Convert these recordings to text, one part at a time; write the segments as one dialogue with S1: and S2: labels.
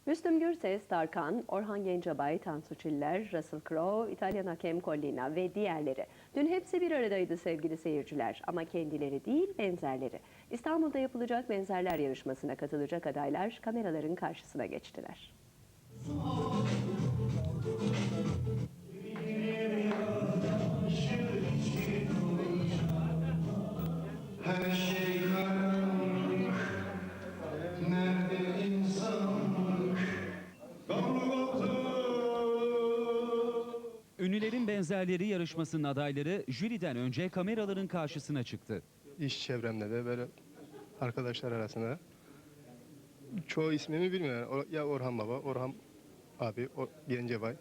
S1: Müslüm Gürses, Tarkan, Orhan Gencebay, Tansu Çiller, Russell Crowe, İtalyan hakem Collina ve diğerleri. Dün hepsi bir aradaydı sevgili seyirciler, ama kendileri değil benzerleri. İstanbul'da yapılacak benzerler yarışmasına katılacak adaylar kameraların karşısına geçtiler.
S2: Her şey karanlık, nerede insanlık?
S3: Ünlülerin benzerleri yarışmasının adayları jüriden önce kameraların karşısına çıktı.
S4: İş çevremde de böyle arkadaşlar arasında çoğu ismimi bilmiyorum. Ya Orhan Baba, Orhan abi, Gencebay.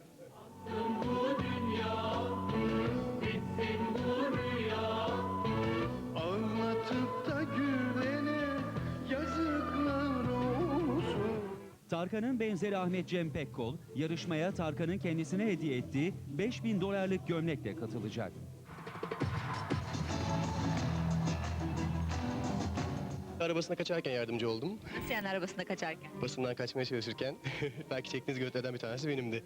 S2: Ağlatıp da gülene yazıklar olsun.
S3: Tarkan'ın benzeri Ahmet Cem Pekkol, yarışmaya Tarkan'ın kendisine hediye ettiği 5.000 dolarlık gömlekle katılacak.
S4: Arabasına kaçarken yardımcı oldum.
S5: Nasıl yani arabasında kaçarken?
S4: Basından kaçmaya çalışırken belki çektiğiniz görüntülerden bir tanesi benimdi.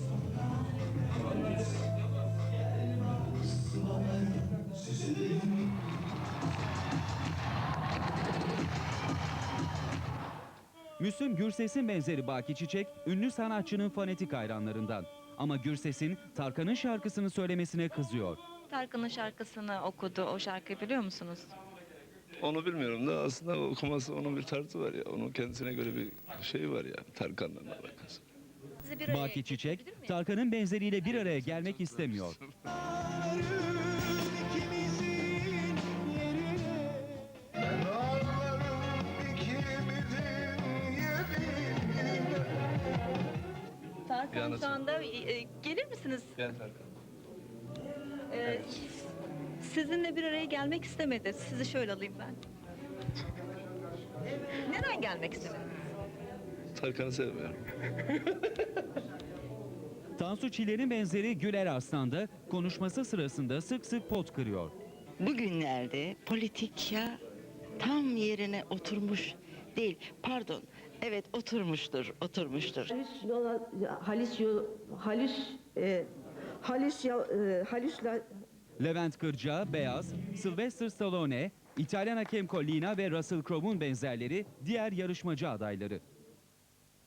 S3: Müslüm Gürses'in benzeri Baki Çiçek, ünlü sanatçının fanatik hayranlarından. Ama Gürses'in Tarkan'ın şarkısını söylemesine kızıyor.
S5: Tarkan'ın şarkısını okudu. O şarkıyı biliyor musunuz?
S6: Onu bilmiyorum da aslında onun onun bir tarzı var ya. Onun kendisine göre bir şey var ya. Tarkan'la alakası.
S5: Sizi bir araya
S3: Baki Çiçek,
S5: getirebilir miyim?
S3: Tarkan'ın benzeriyle bir araya gelmek istemiyor.
S5: Tarkan
S6: Yalnız-
S5: şu anda gelir misiniz?
S6: Gel Tarkan.
S5: E, Sizinle bir araya gelmek istemedi. Sizi şöyle alayım ben. Neden gelmek istemedi?
S6: Tarkan'ı sevmiyorum.
S3: Tansu Çiller'in benzeri Güler Arslan da konuşması sırasında sık sık pot kırıyor.
S7: Bugünlerde politik ya tam yerine oturmuş değil. Pardon. Evet oturmuştur.
S8: Halüsla
S3: Levent Kırca, Beyaz, Sylvester Stallone, İtalyan hakem Collina ve Russell Crowe'un benzerleri diğer yarışmacı adayları.